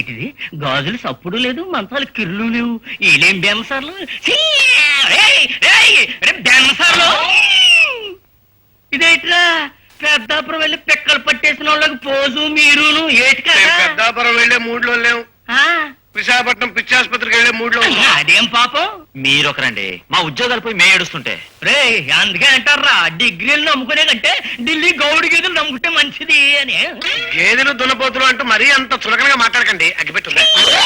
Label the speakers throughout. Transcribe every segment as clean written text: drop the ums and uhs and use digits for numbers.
Speaker 1: ఏంటిది గాజులు సప్పుడు లేదు, మంచాలు కిర్లు లేవు, ఏలేం బెన్సార్లు బెన్సార్లు. ఇదేట్రా పెద్దాపురం వెళ్ళి పిక్కలు పట్టేసిన వాళ్ళకి పోజు మీరును ఏటి కదా.
Speaker 2: పెద్దాపురం వెళ్లే మూడ్లో లేవు, విశాఖపట్నం పిచ్చాసుపత్రికి వెళ్లే మూడ్లో.
Speaker 1: అదేం పాపం.
Speaker 3: మీరొకరండి, మా ఉద్యోగాలు పోయి మే ఏడుస్తుంటే.
Speaker 1: రే అందుకే అంటారా డిగ్రీలు నమ్ముకునే కంటే ఢిల్లీ గౌడి గేదెలు నమ్ముకుంటే మంచిది అని.
Speaker 2: గేదెలు దున్నపోతులు అంటూ మరీ అంత చులకనగా మాట్లాడకండి, అగ్గిపెట్టుందా.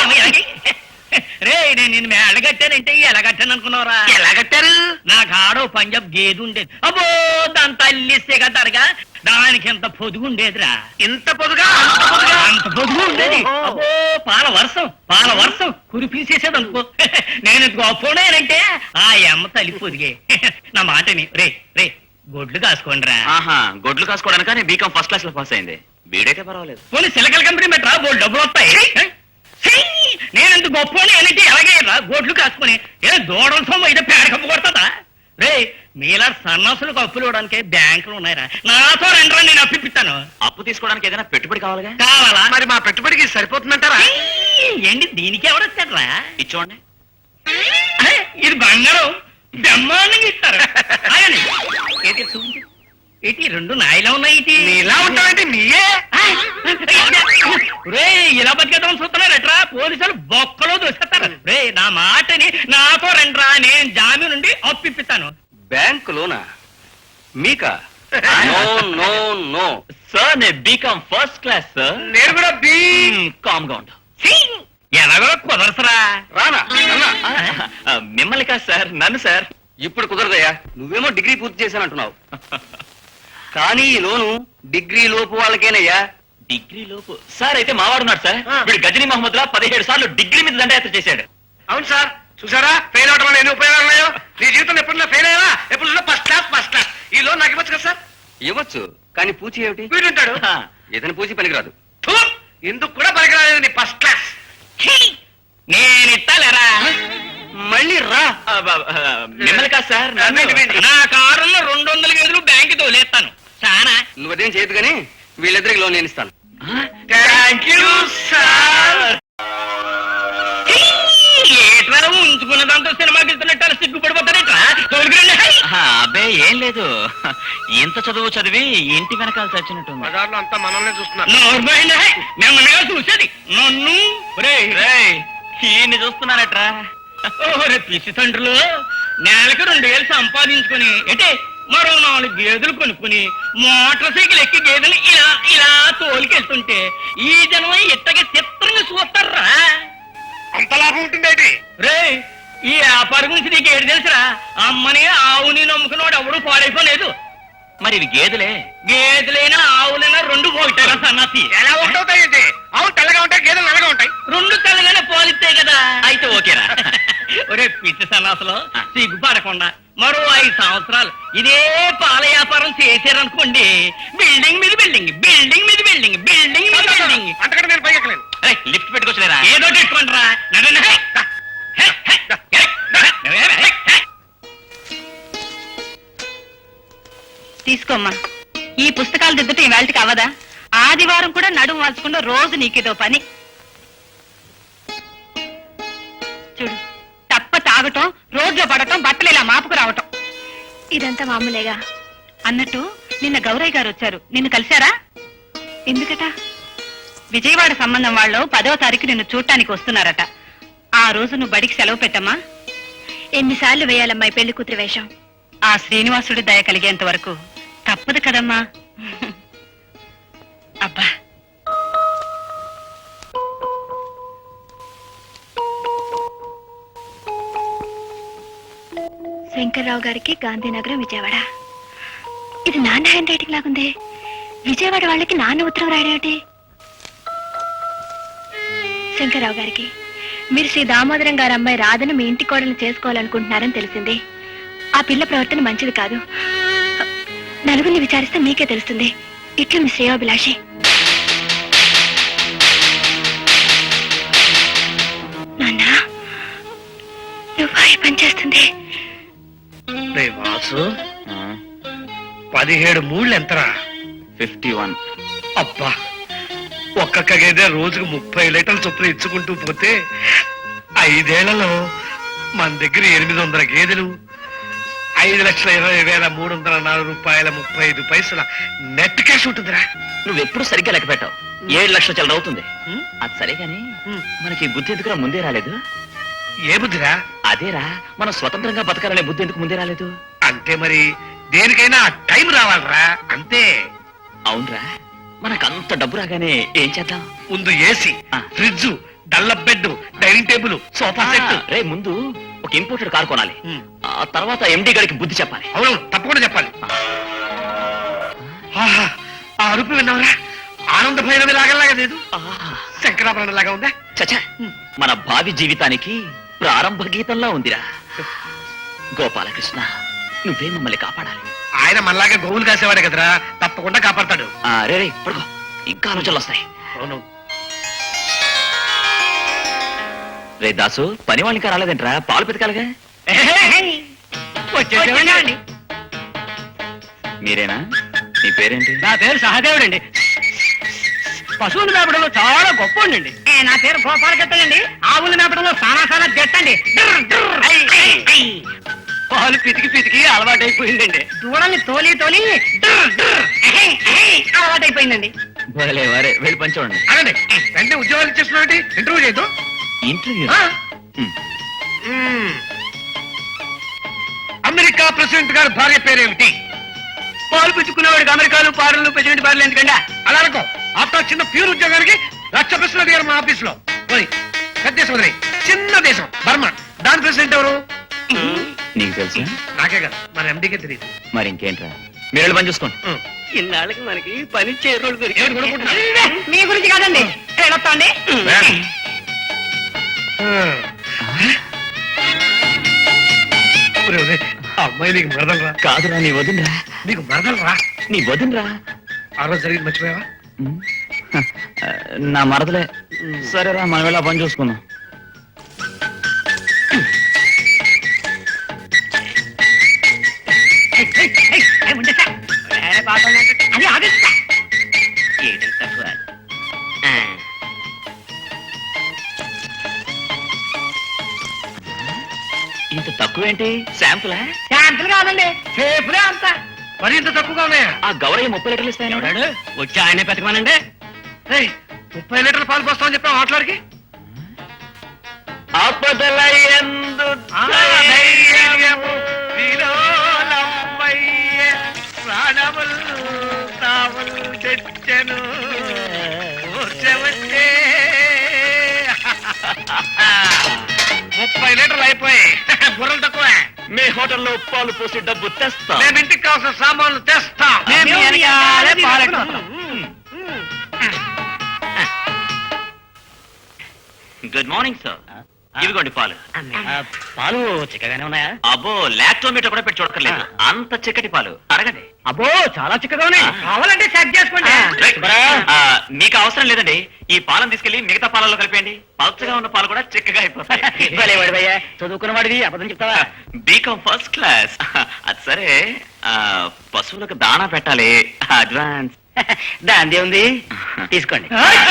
Speaker 1: రే నేను నిన్ను ఎలాగట్టానంటే ఎలా కట్టాను అనుకున్నారా?
Speaker 2: ఎలా కట్టారు?
Speaker 1: నాకు ఆడో పంజాబ్ గేదె ఉండేది. అబ్బో దాని తల్లిస్తే కదరగా దానికి ఎంత పొదుగు ఉండేదిరా.
Speaker 2: ఇంత పొదుగా
Speaker 1: అంత పొదుగు ఉండేది. అబ్బో పాల వర్షం కురిపీసేసేది అనుకో. నేను గొప్పనేనంటే ఆ అమ్మ తల్లి పొదిగే. నా మాటని రే రే గొడ్లు కాసుకోండి రా.
Speaker 3: గొడ్లు కాసుకోవడానికి బీకాం ఫస్ట్ క్లాస్ లో పాస్ అయింది, బీడైతే పర్వాలేదు.
Speaker 1: పోనీ సిలకల కంపెనీ పెట్టరా, బోల్ డబ్బులు వస్తాయి. నేనంత గొప్పని అంటే ఎలాగే రా గొడ్లు కాసుకుని ఏ దూడల సొమ్ము అయితే పేడ కప్పు కొడతా. రే మీలా సన్నాసులకు అప్పులు ఇవ్వడానికి బ్యాంకులు ఉన్నాయిరా, నాతో రండి నేను అప్పిస్తాను.
Speaker 3: అప్పు తీసుకోవడానికి ఏదైనా పెట్టుబడి కావాలిగా.
Speaker 1: కావాలా?
Speaker 2: మరి మా పెట్టుబడికి సరిపోతుందంటారా?
Speaker 1: ఏంటి దీనికి ఎవరొచ్చారా?
Speaker 3: ఇచ్చోండి,
Speaker 1: ఇది బంగారం బ్రహ్మాండంగా ఇస్తారు. ఏంటి చూడు, ఏంటి రెండు నాయలా ఉన్నాయి.
Speaker 2: ఇలా ఉంటావంటే నీయే
Speaker 1: రే ఇలా బతికేద్దాం చూస్తున్నారట్రా, పోలీసులు బొక్కలో దూసేస్తారు. రే నా మాటని నాతో రండిరా, నేను జామీన్ నుండి అప్పిస్తాను.
Speaker 3: బ్యాంకు లోనా మీకా? నో నో నో సార్, నేను బీకాం ఫస్ట్ క్లాస్ సార్.
Speaker 2: నేను కూడా బీ.
Speaker 3: కామ్గా ఉండు.
Speaker 1: ఎలాగో కుదరసరా.
Speaker 2: రానా
Speaker 3: మిమ్మల్ని కాదు సార్, నన్ను సార్. ఇప్పుడు కుదరదయ్యా, నువ్వేమో డిగ్రీ పూర్తి చేశానంటున్నావు. కానీ ఈ లోను డిగ్రీ లోపు వాళ్ళకేనయ్యా. డిగ్రీ లోపు సార్? అయితే మావాడున్నాడు సార్, వీడు గజనీ మహమ్మద్ లా 17 సార్లు డిగ్రీ మీద దండయాత్ర చేశాడు.
Speaker 2: అవును సార్, చూసారా ఫెయిల్ అవడం వల్ల ఎన్ని ఉపయోగాలు ఉన్నాయో. నీ జీవితంలో ఎప్పుడు ఫెయిల్ అయ్యావా? ఎప్పుడు ఫస్ట్ క్లాస్. ఈ లోన్ నాకు ఇవ్వచ్చు కదా సార్?
Speaker 3: ఇవ్వచ్చు, కానీ పూచి ఏమిటి?
Speaker 2: వీడుంటాడు,
Speaker 3: ఇతని పూచి పనికిరాదు.
Speaker 2: ఎందుకు కూడా పనికిరాలేదు నీ ఫస్ట్ క్లాస్.
Speaker 1: నేను ఇస్తాలేరా,
Speaker 3: మళ్ళీ రా. మిమ్మల్ని కాదు సార్,
Speaker 1: నా కారులో 200 గేదెలు బ్యాంకు తోలేస్తాను. చాలా
Speaker 3: నువ్వు అదేం చేయదు కానీ వీళ్ళిద్దరికి లోన్ నేను ఇస్తాను.
Speaker 2: Thank you sir.
Speaker 1: ఏట్రా ఉంచుకున్న దాంతో సినిమాకి వెళ్తున్నట్టు సిగ్గుపడిపోతారేట్రా? తోలుకురండి.
Speaker 3: అబ్బే ఏం లేదు, ఇంత చదువు చదివి ఇంటి వెనకాల చచ్చినట్టుంది.
Speaker 2: బజార్లో అంతా మనల్ని చూస్తున్నారు.
Speaker 1: మిమ్మల్ని చూసేది నన్ను.
Speaker 3: ఈయన్ని చూస్తున్నారట్రా.
Speaker 1: ఓరే పిసి తండ్రులు, నెలకు 2000 సంపాదించుకుని అంటే మరో 4 గేదెలు కొనుక్కుని మోటార్ సైకిల్ ఎక్కి గేదెలు ఇలా ఇలా తోలికెళ్తుంటే ఈ జనం ఇట్టగా చిత్రంగా చూస్తారా?
Speaker 2: అంత లాభం ఉంటుంది.
Speaker 1: రే ఈ వ్యాపారం గురించి నీకు ఏడు తెలుసురా? అమ్మని ఆవుని నమ్ముకున్నాడు ఎవడు పాడైపోలేదు.
Speaker 3: మరి ఇవి గేదెలే.
Speaker 1: గేదెలైనా ఆవులైనా 2 పోయిటారా సన్నాసి?
Speaker 2: ఎలా ఒకటవుతాయండి? ఆవు తెల్లగా ఉంటాయి, గేదెలు నల్లగా ఉంటాయి.
Speaker 1: 2 తెల్లగానే పోలిస్తాయి కదా.
Speaker 3: అయితే ఓకేరా.
Speaker 1: ఒరే పిచ్చి సన్నాసులో సిగ్గుపడకుండా మరో 5 సంవత్సరాలు ఇదే పాల వ్యాపారం చేశారనుకోండి, బిల్డింగ్ మీద బిల్డింగ్, బిల్డింగ్ మీద బిల్డింగ్, బిల్డింగ్ మీద బిల్డింగ్.
Speaker 2: అంతకంటే నేను పైకెక్కలేను.
Speaker 3: లిఫ్ట్ పెట్టుకోవచ్చులేరా?
Speaker 1: ఏదో పెట్టుకుంటారా?
Speaker 4: తీసుకోమ్మా, ఈ పుస్తకాలు దిద్దటం ఈ వేళకి అవదా? ఆదివారం కూడా నడుము వాల్చకుండా రోజు నీకేదో పని. చూడు, తప్ప తాగటం, రోడ్లో పడటం, బట్టలు ఇలా మాపుకు రావటం, ఇదంతా మామూలేగా. అన్నట్టు నిన్న గౌరయ్య గారు వచ్చారు, నిన్ను కలిశారా? ఎందుకట? విజయవాడ సంబంధం వాళ్ళు 10వ తారీఖు నిన్ను చూడటానికి వస్తున్నారట. ఆ రోజు నువ్వు బడికి సెలవు పెట్టమ్మా.
Speaker 5: ఎన్నిసార్లు వేయాలమ్మాయి పెళ్లి కూతురు వేషం?
Speaker 4: ఆ శ్రీనివాసుడి దయ కలిగేంత వరకు తప్పదు కదమ్మా. అబ్బా,
Speaker 5: శంకర్రావు గారికి గాంధీనగరం విజయవాడ. ఇది నాన్న హ్యాండ్ రైటింగ్ లాగుంది. విజయవాడ వాళ్ళకి నాన్న ఉత్తరం రాయడేమిటి? శంకర్రావు గారికి, మీరు శ్రీ దామోదరం గారి అమ్మాయి రాధను మీ ఇంటి కోడలు చేసుకోవాలనుకుంటున్నారని తెలిసింది. ఆ పిల్ల ప్రవర్తన మంచిది కాదు. నలుగురిని విచారిస్తే మీకే తెలుస్తుంది. ఇట్లు మీ శ్రేయోభిలాషి. నాన్న, నువ్వు ఈ పని చేస్తుంది?
Speaker 2: వాసు, 17 మూళ్ళు ఎంతరా?
Speaker 3: 51.
Speaker 2: అబ్బా, ఒక్కొక్క గేదె రోజుకు 30 లీటర్ల చొప్పున ఇచ్చుకుంటూ పోతే 5 ఏళ్లలో మన దగ్గర 800 గేదెలు 5,20,304 రూపాయల 35 పైసల నెట్ క్యాష్ ఉంటుందిరా.
Speaker 3: నువ్వెప్పుడు సరిగ్గా లెక్క పెట్టావు. 7 లక్షల చిల్లర అవుతుంది.
Speaker 2: ఉం?
Speaker 3: అది సరే గాని
Speaker 2: ఉం.
Speaker 3: మనకి ఈ బుద్ధి ఎందుకురా ముందే రాలేదు?
Speaker 2: ఏ బుద్ధిరా?
Speaker 3: అదేరా, మనం స్వతంత్రంగా బతకాలనే బుద్ధి ఎందుకు ముందే రాలేదు?
Speaker 2: అంటే మరి దేనికైనా టైం రావాలరా, అంతే.
Speaker 3: అవునరా, మనకంత డబ్బు రాగానే ఏం చేద్దాం?
Speaker 2: ముందు ఏసీ,
Speaker 3: ఆ.
Speaker 2: Fridge, Dunlop bed, dining table, sofa set.
Speaker 3: రే, ముందు ఒక ఇంపోర్టెడ్ కార్ కొనాలి.
Speaker 2: ఉం.
Speaker 3: ఆ తర్వాత ఎండి గడికి బుద్ధి చెప్పాలి.
Speaker 2: అవును, తప్పకుండా చెప్పాలి. ఆహా, ఆ అరుపు విన్నావురా? ఆనంద భైరవి లాగలాగా లేదు, శంకరాభరణం లాగా ఉందా?
Speaker 3: చచ్చా, మన భావి జీవితానికి ప్రారంభ గీతంలా ఉందిరా. గోపాలకృష్ణ, నువ్వే మమ్మల్ని కాపాడాలి.
Speaker 2: ఆయన మనలాగా గోవులు కాసేవాడే కదరా, తప్పకుండా కాపాడతాడు.
Speaker 3: రే రే, పడుకో, ఇంకా ఆలోచనలు వస్తాయి.
Speaker 2: అవును.
Speaker 3: రే దాసు, పని వాళ్ళు ఇంకా రాలేదంట్రా, పాలు పెతకాలిగా.
Speaker 1: వచ్చేసేవాడిని.
Speaker 3: మీరేనా? మీ పేరేంటి?
Speaker 1: నా పేరు సహదేవుడండి. పశువులు మేపడంలో చాలా గొప్ప ఉండండి. నా పేరు గోపాలకృష్ణండి. ఆవులు మేపడంలో సానా జట్టండి. పాలు పితికి అలవాటైపోయిందండి. దూడల్ని తోలి అలవాటైపోయిందండి.
Speaker 3: భలే వారే, వెళ్ళి పని చూడండి.
Speaker 2: అనండి, వెంటనే ఉద్యోగాలు ఇచ్చేస్తున్నాడు. ఇంటర్వ్యూ చేయదు.
Speaker 3: ఇంటర్వ్యూ?
Speaker 2: అమెరికా ప్రెసిడెంట్ గారి భార్య పేరేమిటి?
Speaker 1: పాలు పిచ్చుకునేవాడికి అమెరికాలు పార్లు ప్రెసిడెంట్ పార్లు ఎందుకండి?
Speaker 2: అలా అనుకో. ఆఫ్టర్ చిన్న ప్యూర్ ఉద్యోగానికి 1,00,000 ప్రశ్నలు అడిగారు మా ఆఫీస్ లో. పెద్ద దేశం వదిలేయ్. చిన్న దేశం బర్మా, దాని ప్రెసిడెంట్ ఎవరు?
Speaker 3: నీకు తెలుసా?
Speaker 2: నాకే కదా, మన ఎండికే తెలియదు.
Speaker 3: మరి ఇంకేంట్రా, మీరు వెళ్ళి పని చూసుకోండి.
Speaker 1: ఇన్నాళ్ళకి మనకి పని చేరోడు
Speaker 2: ఏమిటి కొనుక్కుంటున్నా?
Speaker 1: మీ గురించి కాదండి. వెళ్ళొస్తాండి.
Speaker 2: ఆ అమ్మాయి నీకు మరదలరా?
Speaker 3: కాదురా, నీ వదినరా.
Speaker 2: నీకు మరదలరా?
Speaker 3: నీ వదినరా.
Speaker 2: ఆ రోజు జరిగింది మర్చిపోయావా?
Speaker 3: నా మరదలే. సరేరా, మనం వెళ్ళి ఆ పని చూసుకుందాం.
Speaker 1: అది ఆగస్తా. ఏడై తక్కువ.
Speaker 3: ఇంత తక్కువేంటి? శాంపులా?
Speaker 1: శాంతులు కాదండి, సేపులే అంత.
Speaker 2: మరి ఇంత తక్కువగా ఉన్నాయా?
Speaker 3: ఆ గౌరయ్య 30 లీటర్లు ఇస్తాయని.
Speaker 1: ఎవడాడు? వచ్చి ఆయనే పెతకమనండి.
Speaker 2: 30 లీటర్ల పాలు పోస్తామని చెప్పావు మాట్లాడికి.
Speaker 3: ఆపదల యందు
Speaker 2: ధైర్యము విలోలమయ్యే ప్రాణముల్ తావుల్ తెచ్చెను ఊర్చవచ్చే. 30 లీటర్లు అయిపోయాయి. బుర్రలు తక్కువ.
Speaker 3: మీ హోటల్లో పాలు పోసి డబ్బు తెస్తా.
Speaker 2: మేము ఇంటికి కావాల్సిన సామాన్లు తెస్తాం.
Speaker 1: మేము వెనకాలే పాలెట్టుకుంటాం.
Speaker 3: Good morning sir. ఇవిగోండి పాలు.
Speaker 1: పాలు చిక్కగానే ఉన్నాయా?
Speaker 3: అబ్బో, లాక్టోమీటర్ కూడా పెట్టి చూడక్కర్లేదు. అంత చిక్కటి పాలు. అడగండి.
Speaker 1: అబ్బో, చాలా చిక్కగా ఉన్నాయి. కావాలంటే చెక్ చేసుకోండి.
Speaker 3: మీకు అవసరం లేదండి. ఈ పాలను తీసుకెళ్లి మిగతా పాలలో కలిపేయండి. పలచగా ఉన్న పాలు కూడా చిక్కగా అయిపోతాయి.
Speaker 1: చదువుకున్న వాడివి అబద్ధం చెప్తావా?
Speaker 3: B Com first class. అది సరే, పశువులకు దానా పెట్టాలి. అడ్వాన్స్.
Speaker 1: దాందే ఉంది, తీసుకోండి.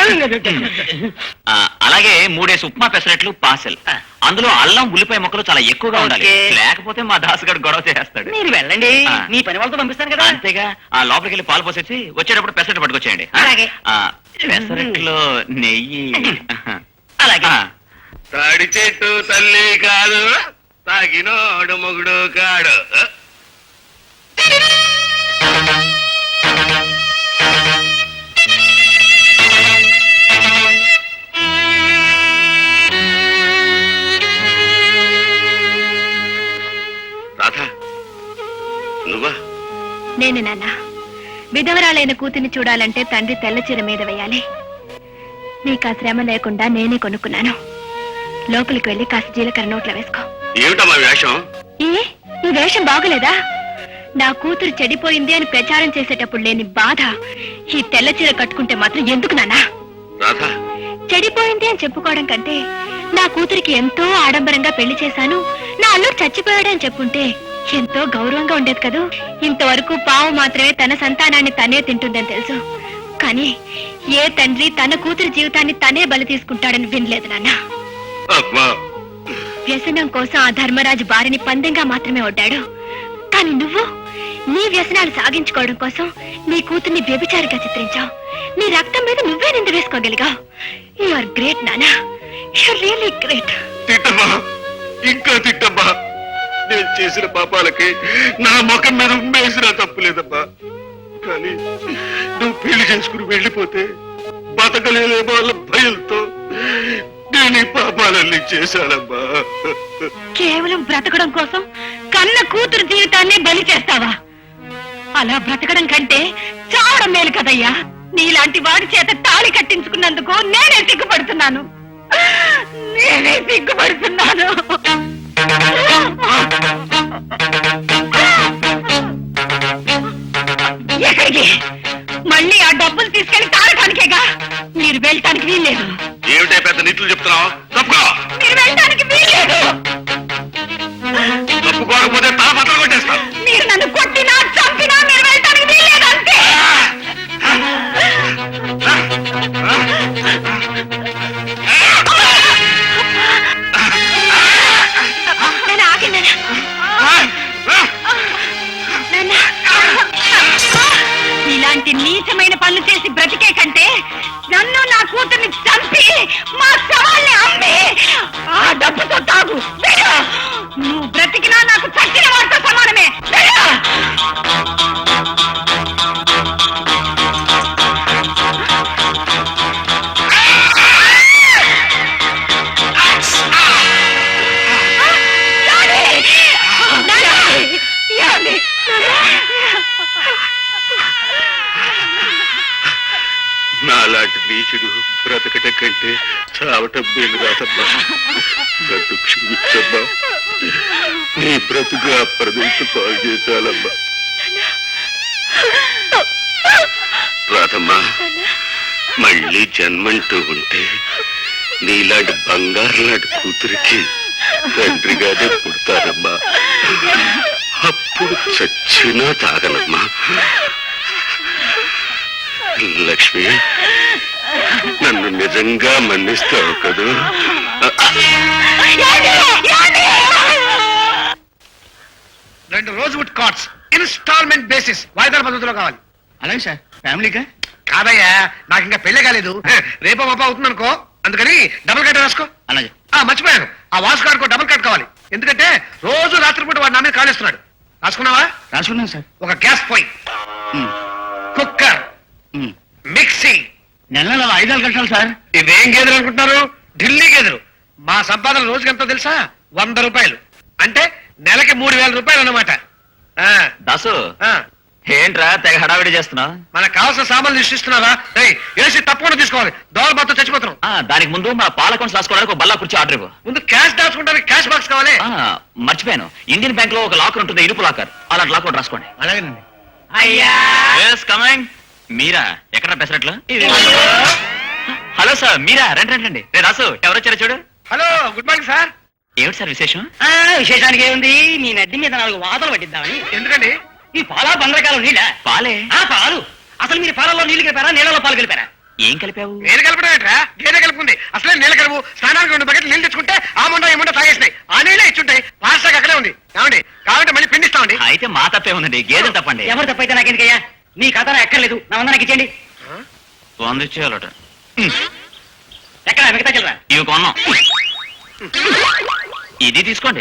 Speaker 3: అలాగే 3 ఉప్మా పెసరట్లు పార్సెల్. అందులో అల్లం ఉల్లిపాయ ముక్కలు చాలా ఎక్కువగా ఉండాలి.
Speaker 1: ఓకే.
Speaker 3: లేకపోతే మా దాసుగాడు గొడవ చేస్తాడు.
Speaker 1: మీరు వెళ్ళండి, మీ పని వాళ్ళతో పంపిస్తాను కదా.
Speaker 3: అంతేగా, ఆ లోపలికి వెళ్ళి పాలు పోసేసి వచ్చేటప్పుడు పెసరట్లు పట్టుకొచ్చేయండి.
Speaker 1: అలాగే.
Speaker 3: పెసరట్లో నెయ్యి.
Speaker 1: అలాగే.
Speaker 2: తాడి చెట్టు తల్లి కాదు, తాగినోడు మొగుడు కాడు. రాధా, నువ్వా?
Speaker 5: నేను నాన్న. విధవరాలైన కూతుని చూడాలంటే తండ్రి తెల్ల చీర మీద వేయాలి. నీకు ఆ శ్రమ లేకుండా నేనే కొనుక్కున్నాను. లోపలికి వెళ్ళి కాస్త జీలకర్ర నోట్లో వేసుకో.
Speaker 2: ఏమిటమ్మా వేషం?
Speaker 5: ఈ వేషం బాగులేదా? నా కూతురు చెడిపోయింది అని ప్రచారం చేసేటప్పుడు లేని బాధ ఈ తెల్ల చీర కట్టుకుంటే మాత్రం ఎందుకు నాన్నా?
Speaker 2: రాధా,
Speaker 5: చెడిపోయింది అని చెప్పుకోవడం కంటే నా కూతురికి ఎంతో ఆడంబరంగా పెళ్లి చేశాను, నా అల్లుడు చచ్చిపోయాడని చెప్పుంటే ఎంతో గౌరవంగా ఉండేది కదూ. ఇంతవరకు పావు మాత్రమే తన సంతానాన్ని తనే తింటుందని తెలుసు, కానీ ఏ తండ్రి తన కూతురి జీవితాన్ని తనే బలి తీసుకుంటాడని వినలేదు నాన్న.
Speaker 6: అమ్మా
Speaker 5: వ్యసనం కోసం ఆ ధర్మరాజు బారిని పందెంగా మాత్రమే ఒడ్డాడు. కానీ నువ్వు నీ వ్యసనాలు సాగించుకోవడం కోసం నీ కూతుర్ని వ్యభిచారిగా చిత్రించావు. నీ రక్తం మీద నువ్వే నింద వేసుకోగలిగావు. యు ఆర్ గ్రేట్ నానా, యు ఆర్ రియల్లీ గ్రేట్.
Speaker 6: తిట్టమ్మా, ఇంకా తిట్టమ్మా. నేను చేసిన పాపాలకి నా ముఖం మీద ఉమ్మేసినా తప్పులేదమ్మా. కానీ నువ్వు పెళ్లి చేసుకుని వెళ్ళిపోతే బతకలేదేమో వాళ్ళ భయంతో నేను ఈ పాపాలన్నీ చేశానమ్మా.
Speaker 4: కేవలం బ్రతకడం కోసం కన్న కూతురు జీవితాన్ని బలి చేస్తావా? అలా బ్రతకడం కంటే చావడం మేలు కదయ్యా. నీలాంటి వాడి చేత తాళి కట్టించుకున్నందుకు నేనే సిగ్గుపడుతున్నాను. నేనే సిగ్గుపడుతున్నాను. ఎక్కడికి? మళ్ళీ ఆ డబ్బులు తీసుకెళ్లి తాళటానికేగా. మీరు వెళ్ళటానికి వీల్లేదు.
Speaker 6: ఏమిటే పెద్ద నీతులు చెప్తున్నావు? తప్పుకో.
Speaker 4: మీరు వెళ్ళటానికి వీల్లేదు.
Speaker 6: తప్పుకోకపోతే తల బట్టలు కొట్టేస్తాను.
Speaker 4: మీరు నన్ను కొట్టినా చంపినా మీరు వెళ్ళటానికి వీల్లేదు అంతే.
Speaker 5: నాన్న, ఆగండి నాన్న.
Speaker 4: ఇలాంటి నీచమైన పనులు చేసి బ్రతికే కంటే నన్ను నా కూతుర్ని చంపి మా సవాల్ని అమ్మి ఆ డబ్బుతో తాగు. వెళ్ళు. నువ్వు బ్రతికినా నాకు చచ్చిన వాడితో సమానమే. వెళ్ళు.
Speaker 6: నాలాంటి నీచుడు బ్రతకట కంటే చావటం మేలు కాదమ్మా. నన్ను క్షమించమ్మా. నీ బ్రతుకు అప్రదించు పాలు చేశాలమ్మా. రాధమ్మా, మళ్ళీ జన్మంటూ ఉంటే నీలాంటి బంగారు లాంటి కూతురికి తండ్రిగానే పుడతానమ్మా. అప్పుడు చచ్చినా తాగనమ్మా. లక్ష్మి, నన్ను నిజంగా మన్నిస్తావు కదూ?
Speaker 2: 2 రోజ్వుడ్ కార్డ్స్ ఇన్స్టాల్మెంట్ బేసిస్ వాయిదాల పద్ధతిలో కావాలి.
Speaker 1: అలాగే సార్. ఫ్యామిలీగా
Speaker 2: కాదయ్యా, నాకు ఇంకా పెళ్లి కాలేదు. రేపో మాప అవుతుంది అనుకో, అందుకని డబుల్ కట్ రాసుకో.
Speaker 1: అలాగే.
Speaker 2: మర్చిపోయాను, ఆ వాసు గారికి డబుల్ కట్ కావాలి. ఎందుకంటే రోజు రాత్రిపూట వాడు నా మీద కాలేస్తున్నాడు. రాసుకున్నావా?
Speaker 1: రాసుకున్నాను సార్.
Speaker 2: ఒక గ్యాస్ పొయ్యి, కుక్కర్, మిక్సీ.
Speaker 1: నెల 5 కట్టాలి సార్.
Speaker 2: ఇవేం గేదెలు అనుకుంటున్నారు? ఢిల్లీ గేదెలు. మా సంపాదన రోజుకి ఎంతో తెలుసా? 100 రూపాయలు. అంటే నెలకి 3000 రూపాయలు అన్నమాట.
Speaker 3: దాసు, ఏంట్రా తెగ హడావిడి చేస్తున్నావు?
Speaker 2: మనకు కావాల్సిన సామాన్లు సృష్టిస్తున్నారా? ఏసీ తప్పకుండా తీసుకోవాలి, దోవల మొత్తం చచ్చిపోతున్నాం.
Speaker 3: దానికి ముందు మన పాల అకౌంట్స్ రాసుకోవడానికి ఒక బల్లా కుర్చీ ఆర్డర్ ఇవ్వు.
Speaker 2: ముందు క్యాష్ దాచుకుంటానికి క్యాష్ బాక్స్ కావాలి.
Speaker 3: మర్చిపోయాను, ఇండియన్ బ్యాంక్ లో ఒక లాకర్ ఉంటుంది, ఇరుపు లాకర్. అలాంటి లాకర్ ఒకటి రాసుకోండి.
Speaker 1: అలాగేనండి.
Speaker 4: అయ్యా
Speaker 3: కమింగ్. మీరా? ఎక్కడ పెసరట్లు? హలో సార్, మీరా? రండి రండి రండి. రే రాసు, ఎవరొచ్చారో చూడు.
Speaker 2: Hello, good morning sir.
Speaker 3: ఏమిటి సార్ విశేషం?
Speaker 1: విశేషానికి ఏముంది, మీ నడ్డి మీద 4 వాతలు పట్టిద్దామని.
Speaker 2: ఎందుకండి?
Speaker 1: ఈ పాలా బందరకాలం నీళ్ళ
Speaker 3: పాలే.
Speaker 1: పాలు. అసలు మీరు పాలలో నీళ్లు కలిపారా, నీళ్ళలో పాలు కలిపారా?
Speaker 3: ఏం కలిపావు?
Speaker 2: నేను కలపడం ఏంట్రా? గేదె కలుపుకుంది. అసలే నీళ్ళ కలుపు. స్నానానికి 2 బకెట్లు నీళ్ళు తెచ్చుకుంటే ఆ ముండ ఈ ముండ తాగేసినాయి. ఆ నీళ్ళే ఇచ్చుంటాయి. పాస్టాక్ అక్కడే ఉంది. ఏమండి, కావాలంటే మళ్ళీ పిండిస్తామండి.
Speaker 3: అయితే మా తప్పే ఉందండి, గేదెలు తప్పండి.
Speaker 1: ఎవరు తప్పైతే నాకెందుకయ్యా? మీ కథ ఎక్కర్లేదు, నా వంద నాకు ఇచ్చేయండి.
Speaker 3: 100 ఇచ్చేయాలట.
Speaker 1: ఎక్కడ మిగతా చిల్లరా?
Speaker 3: ఇవి కొన్నాం. ఇది తీసుకోండి.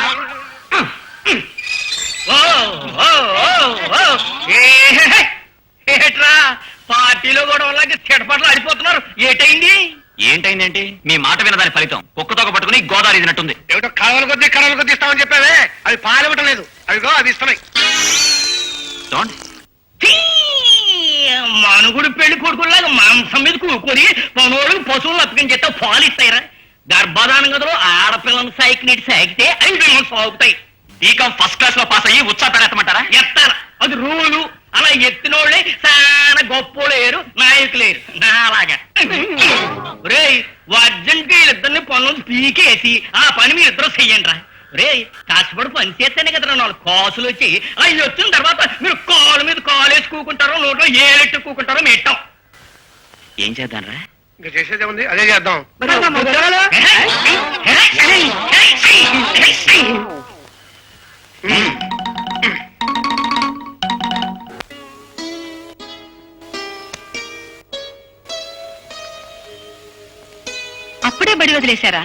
Speaker 1: ఏట్రా, పార్టీలో కూడా వాళ్ళకి చెడపట్లు ఆడిపోతున్నారు. ఏటైంది?
Speaker 3: ఏంటైందేంటి? మీ మాట వినదాని ఫలితం కుక్కతోక పట్టుకుని గోదావరి ఇదినట్టుంది.
Speaker 2: ఏమిటో కడవల కొద్దీ ఇస్తామని చెప్పావే, అవి పాలు ఇవ్వటం లేదు. అవిగో అవి ఇస్తున్నాయి.
Speaker 3: చూడండి.
Speaker 1: మనుగుడు పెళ్లి కొడుకులాగా మాంసం మీద కూకొని పనులకు పశువులు అప్పగించేస్తే పాలు ఇస్తాయిరా? గర్భధానం గదిలో ఆడపిల్లని సాయికి సాగితే 5 నెలలు సాగుతాయి.
Speaker 3: బీకాం ఫస్ట్ క్లాస్ లో పాస్ అయ్యి ఉత్సాహ పెడతామంటారా?
Speaker 1: ఎత్తారు, అది రూలు. అలా ఎత్తినోళ్ళే చాలా గొప్పోలేరు, నాయకులేరు నాలాగా. రే, అర్జెంట్ వీళ్ళిద్దరిని పనులు పీకేసి ఆ పని మీరు ఇద్దరు చెయ్యండి రా. రే, కష్టపడి పని చేస్తేనే కదా 4 కాసులు వచ్చి అవి వచ్చిన తర్వాత మీరు కాలు మీద కాలు వేసి కూకుంటారో, నోట్లో ఏలెట్టు కూకుంటారో మెట్టాం.
Speaker 3: ఏం చేద్దాంరా?
Speaker 2: ఇంకా చేసేదే ఉంది, అదే చేద్దాం.
Speaker 4: అప్పుడే బడి వదిలేశారా?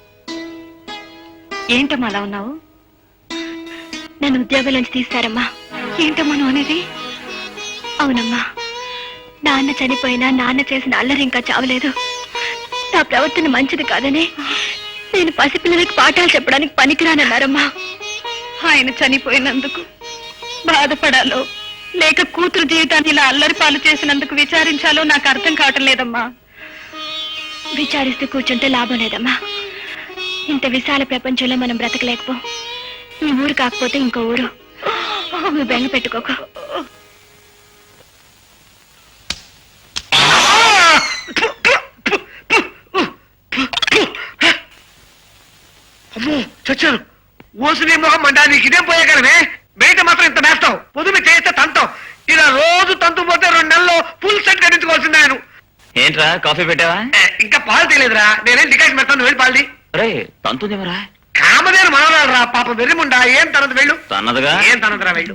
Speaker 4: ఏంటమ్మా అలా ఉన్నావు?
Speaker 5: నన్ను ఉద్యోగం నుంచి తీస్తారమ్మా.
Speaker 4: ఏంటమ్మా నువ్వు అనేది?
Speaker 5: అవునమ్మా, నాన్న చనిపోయినా నాన్న చేసిన అల్లరి ఇంకా చావలేదు. నా ప్రవర్తన మంచిది కాదని నేను పసిపిల్లలకి పాఠాలు చెప్పడానికి పనికిరానన్నారమ్మా.
Speaker 4: ఆయన చనిపోయినందుకు బాధపడాలో లేక కూతురు జీవితాన్ని ఇలా అల్లరి పాలు చేసినందుకు విచారించాలో నాకు అర్థం కావటం లేదమ్మా.
Speaker 5: విచారిస్తూ కూర్చుంటే లాభం లేదమ్మా. ఇంత విశాల ప్రపంచంలో మనం బ్రతకలేకపో. ఈ ఊరు కాకపోతే ఇంకో ఊరు. నువ్వు బెంగ పెట్టుకోకు.
Speaker 2: అమ్మో చచ్చారు. ఓసుని మొహం మండా, నీకు ఇదేం పోయే కదమే. బయట మాత్రం ఇంత వేస్తావు, పొద్దున్న చేస్తే తంతావు. ఇలా రోజు తంతు పోతే 2 నెలల్లో ఫుల్ సెట్ కట్టించుకోవాల్సిందే ఆయన.
Speaker 3: ఏంట్రా కాఫీ పెట్టావా?
Speaker 2: ఇంకా పాలు తెలియదురా, నేనేం డికాషన్ పెడతాను, వెళ్ళి పాలది.
Speaker 3: రే తంతుందేమరా?
Speaker 2: కామదేని మనవరాలరా, పాపం వెర్రిముండా. ఏం తనదు వెళ్ళు.
Speaker 3: తన్నదుగా?
Speaker 2: ఏం తనదురా, వెళ్ళు.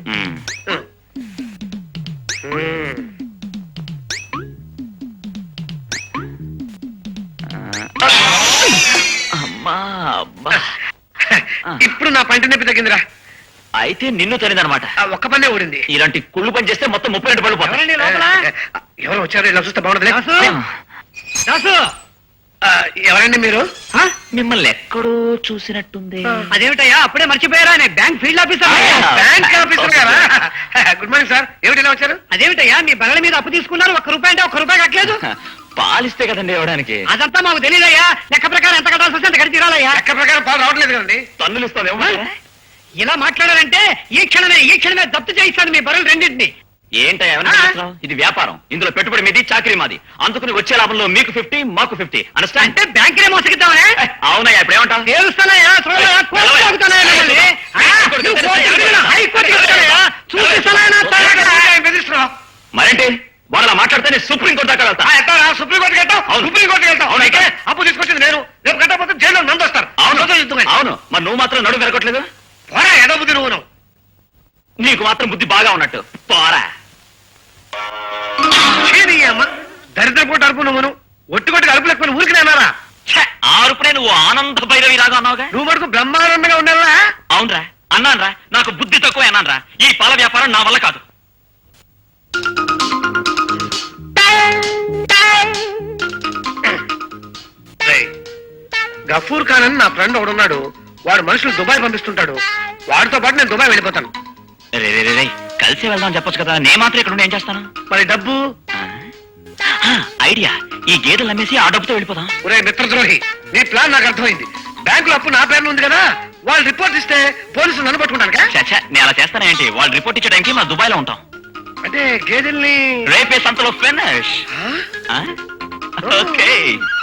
Speaker 3: అమ్మా అబ్బా.
Speaker 2: ఇప్పుడు నా పంట నొప్పి తగ్గిందిరా.
Speaker 3: అయితే నిన్ను తనిదనమాట.
Speaker 2: ఒక్క పనే ఊడింది.
Speaker 3: ఇలాంటి కుళ్ళు పని చేస్తే మొత్తం 32 పళ్ళు పోతాయి.
Speaker 2: ఎవరు వచ్చారు? ఇలా చూస్తే బాగుండదు.
Speaker 1: దాసు,
Speaker 2: ఎవరండి మీరు?
Speaker 3: మిమ్మల్ని ఎక్కడో చూసినట్టుంది.
Speaker 1: అదేమిటయ్యా అప్పుడే మర్చిపోయారా? నేను bank field officer.
Speaker 2: Bank officer గారా? Good morning sir. ఏమిటి ఇలా వచ్చారు?
Speaker 1: అదేమిటయ్యా మీ బల్ల మీద అప్పు తీసుకున్నారు, ₹1 అంటే ₹1 కట్టలేదు.
Speaker 3: పాలిస్తే కదండి ఇవ్వడానికి.
Speaker 1: అదంతా మాకు తెలియదయ్యా. లెక్క ప్రకారం ఎంత కట్టాల్సి వస్తే అంత కట్టి తీరాలయ్యా.
Speaker 2: లెక్క ప్రకారం పాలు రావట్లేదు కదండి.
Speaker 3: తన్నులు ఇస్తాను.
Speaker 1: ఇలా మాట్లాడారంటే ఈ క్షణమే జప్తు చేయిస్తాను మీ బరువులు రెండింటిని.
Speaker 3: ఏంటయ్యా ఏమన్నా చేస్తున్నావ్? ఇది వ్యాపారం, ఇందులో పెట్టుబడి మీది, చాకరీ మాది. అందుకుని వచ్చే లాభంలో మీకు 50, మాకు 50. అండర్స్టాండ్?
Speaker 1: అంటే బ్యాంకులే మోసగిద్దామనే?
Speaker 3: అవునయ్యా, ఇప్పుడు ఏమంటావు?
Speaker 1: తెలుస్తానయ్యా, చూడయ్యా, కోర్టు తాగుతానయ్యా మిమ్మల్ని. నువ్వు కోర్టుకి వెళ్తున్నా, హైకోర్టుకి వెళ్తానయ్యా. చూపిస్తానయ్యా నా తలకాయ.
Speaker 2: బెదిరిస్తున్నావు.
Speaker 3: మరేంటి వాళ్ళ మాట్లాడితే సుప్రీంకోర్టు దాకా వెళ్తా.
Speaker 2: ఎట్టారా? సుప్రీంకోర్టుకి వెళ్తావు?
Speaker 3: అవును.
Speaker 2: సుప్రీంకోర్టుకి వెళ్తావు?
Speaker 3: అవును, అయితే?
Speaker 2: అప్పు తీసుకొచ్చింది నేను. రేపు కట్టకపోతే జైల్లో నందు వస్తారు.
Speaker 3: అవును, మరి నువ్వు మాత్రం నడుము పెరగట్లేదు.
Speaker 2: పోరా, ఏదో బుద్ధి నువ్వు.
Speaker 3: నీకు మాత్రం బుద్ధి బాగా ఉన్నట్టు. పోరా.
Speaker 2: అమ్మ దరిద్రపోటు అరుపు నువ్వును. ఒట్టుకొట్టుకు అరుపు లేకపోయిన ఊరికి నేనారా?
Speaker 3: ఆ అరుపునే నువ్వు ఆనంద భైరవి లాగా అన్నావుగా.
Speaker 2: నువ్వు మటుకు బ్రహ్మానందంగా ఉన్నావా?
Speaker 3: అవునరా, అన్నానరా. నాకు బుద్ధి తక్కువ అన్నానరా. ఈ పాల వ్యాపారం నా వల్ల కాదు.
Speaker 2: గఫూర్ ఖాన్ అని నా ఫ్రెండ్ ఒకడున్నాడు. వాడు మనుషులు దుబాయ్ పంపిస్తుంటాడు. వాడితో పాటు నేను దుబాయ్ వెళ్ళిపోతాను.
Speaker 3: రే రే రే రే, కలిసి వెళ్దాం చెప్పొచ్చు కదా. నేను మాత్రం ఇక్కడ ఉండి ఏం చేస్తాను?
Speaker 2: మరి డబ్బు?
Speaker 3: ఐడియా, ఈ గేదెలు అమ్మేసి ఆ డబ్బుతో వెళ్ళిపోదాం.
Speaker 2: ఒరే మిత్రద్రోహి, నీ ప్లాన్ నాకు అర్థమైంది. బ్యాంకులో అప్పు నా పేరు ఉంది కదా, వాళ్ళు రిపోర్ట్ ఇస్తే పోలీసులు నన్ను పట్టుకుంటాను.
Speaker 3: చచ్చా, నేను అలా చేస్తానేంటి? వాళ్ళు రిపోర్ట్ ఇచ్చడానికి మా దుబాయ్ లో ఉంటాం.
Speaker 2: అంటే గేదెల్ని
Speaker 3: రేపే సంతలో ఫినిష్. ఓకే.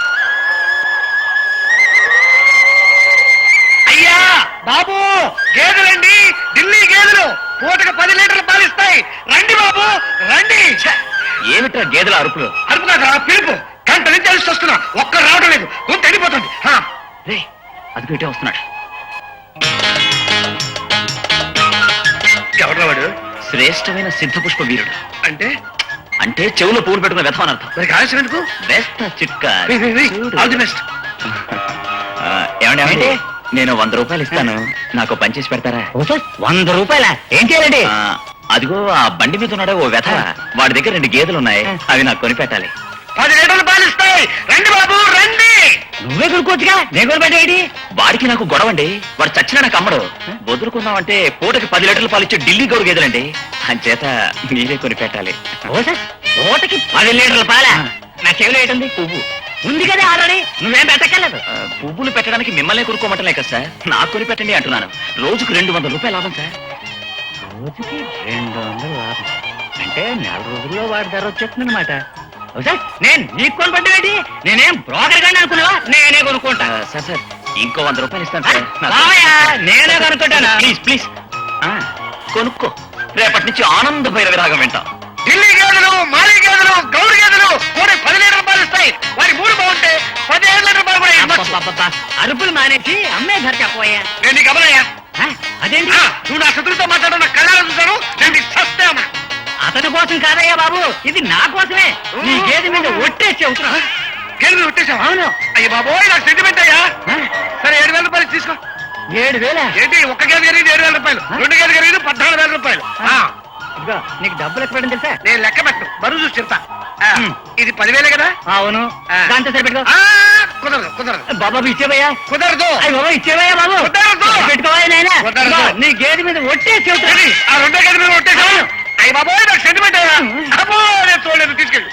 Speaker 2: అయ్యా బాబు, గేదెలండి, ఢిల్లీ గేదెలు. పూటకు 10 లీటర్లు పాలిస్తాయి. రండి బాబు, రండి.
Speaker 3: ఏమిట్రా గేదెల అరుపులు?
Speaker 2: అరుపు కాదురా, పిలుపు. గంట నుంచి కలిసి వస్తున్నా, ఒక్కరు రావడం లేదు. గొంతు ఎండిపోతుంది.
Speaker 3: రే, అది పెట్టే వస్తున్నాడు.
Speaker 2: ఎవరు వాడు?
Speaker 3: శ్రేష్టమైన సిద్ధపుష్ప వీరుడు.
Speaker 2: అంటే
Speaker 3: అంటే చెవులో పూలు పెట్టుకున్న వ్యథమని అర్థం.
Speaker 2: మరి కాల్సిన ఎందుకు?
Speaker 3: బెస్ట్ చిట్కా.
Speaker 2: All the best.
Speaker 3: ఏమండి, నేను 100 రూపాయలు ఇస్తాను, నాకు పని చేసి పెడతారా?
Speaker 1: 100 రూపాయలా? ఏం చేయాలండి?
Speaker 3: అదిగో ఆ బండి మీద ఉన్నాడే ఓ వ్యథ, వాడి దగ్గర 2 గేదెలు ఉన్నాయి, అవి నాకు కొని పెట్టాలి.
Speaker 2: 10 లీటర్లు పాలిస్తాయి. రండి బాబు, రండి.
Speaker 1: నువ్వే కొనుక్కోవచ్చుగా, నేను కొనిపెట్టేది.
Speaker 3: వాడికి నాకు గొడవండి. వాడు చచ్చినా నాకు అమ్మడు. వదులుకుందామంటే పూటకి 10 లీటర్లు పాలిచ్చే ఢిల్లీ గౌరు గేదెలండి. అంచేత మీరే కొని పెట్టాలి.
Speaker 1: పూటకి 10 లీటర్ల పాలా? నా చెవిలో ఏంటుంది?
Speaker 3: పువ్వు
Speaker 1: ఉంది కదా ఆల్రెడీ, నువ్వేం పెట్టక్కర్లేదు.
Speaker 3: పువ్వులు పెట్టడానికి మిమ్మల్ని కొనుక్కోమంటలే కదా సార్, నాకు కొని పెట్టండి అంటున్నాను. రోజుకు 200 రూపాయలు లాభం సార్.
Speaker 1: రోజుకి 200 లాభం అంటే 4 రోజుల్లో వాడి ధర వచ్చేస్తుందన్నమాట. నేను నీకు కొనుక్కుంటావేంటి? నేనేం బ్రోకర్ గాని అనుకున్నావా? నేనే కొనుక్కుంటా.
Speaker 3: సార్ సార్, ఇంకో 100 రూపాయలు ఇస్తాను సార్.
Speaker 1: బావయ్యా, నేనే కొనుక్కుంటానా?
Speaker 3: ప్లీజ్ ప్లీజ్ కొనుక్కో. రేపటి నుంచి ఆనంద భైరవి రాగం వింటాం.
Speaker 2: ఢిల్లీ గేదెలు, మాలి గేదెలు, గౌరు గేదెలు కూడా 10 లీటర్ పాలు ఇస్తాయి. వారి మూడు బాగుంటే 15 లీటర్ పాలు కూడా ఇవ్వచ్చు.
Speaker 1: అబ్బబ్బబ్బబ్బా, అరుపులు మానేసి అమ్మే ధర చెప్పబోయా.
Speaker 2: నేను నీకు అమలయ్యా.
Speaker 1: అదేంటి?
Speaker 2: నువ్వు నా శత్రువుతో మాట్లాడడం నా కళ్ళారా చూశాను. నేను నీకు సస్తామా.
Speaker 1: అతని కోసం కాదయ్యా బాబు, ఇది నా కోసమే. నీ గేదె మీద ఒట్టేసి చెబుతున్నా.
Speaker 2: గేదెలు కొట్టేశావా?
Speaker 1: అవును.
Speaker 2: అయ్య బాబోయ్, నాకు సెంటిమెంట్ అయ్యా. సరే 7,000 రూపాయలు తీసుకో.
Speaker 1: 7,000?
Speaker 2: ఏంటి ఒక్క గేదె ఖరీదు 7,000 రూపాయలు, 2 గేదె ఖరీదు 14,000 రూపాయలు.
Speaker 1: ఇదిగో నీకు డబ్బులు ఎక్కడ పెట్టడం తెలుసా?
Speaker 2: నేను లెక్క పెట్టు, బరువు చూసి చెప్తా.
Speaker 1: హ్మ్.
Speaker 2: ఇది 10,000 కదా?
Speaker 1: అవును. దాంతో సరిపెట్టుకో.
Speaker 2: కుదరదు
Speaker 1: బాబా ఇచ్చేవయ్యా.
Speaker 2: కుదరదు
Speaker 1: అయ్యి బాబా ఇచ్చేవయ్యా బాబు.
Speaker 2: కుదరదు.
Speaker 1: పెట్టుకోవా నాయనా.
Speaker 2: కుదరదు.
Speaker 1: ఇదిగో, నీ గేదె మీద ఒట్టేసి చెబుతున్నా.
Speaker 2: ఆ 2 గేదె మీద కొట్టేశావు. అయ్య బాబోయ్, నాకు సెంటిమెంట్ అయ్యా. అబ్బో, నేను చూడలేదు, తీసుకెళ్ళి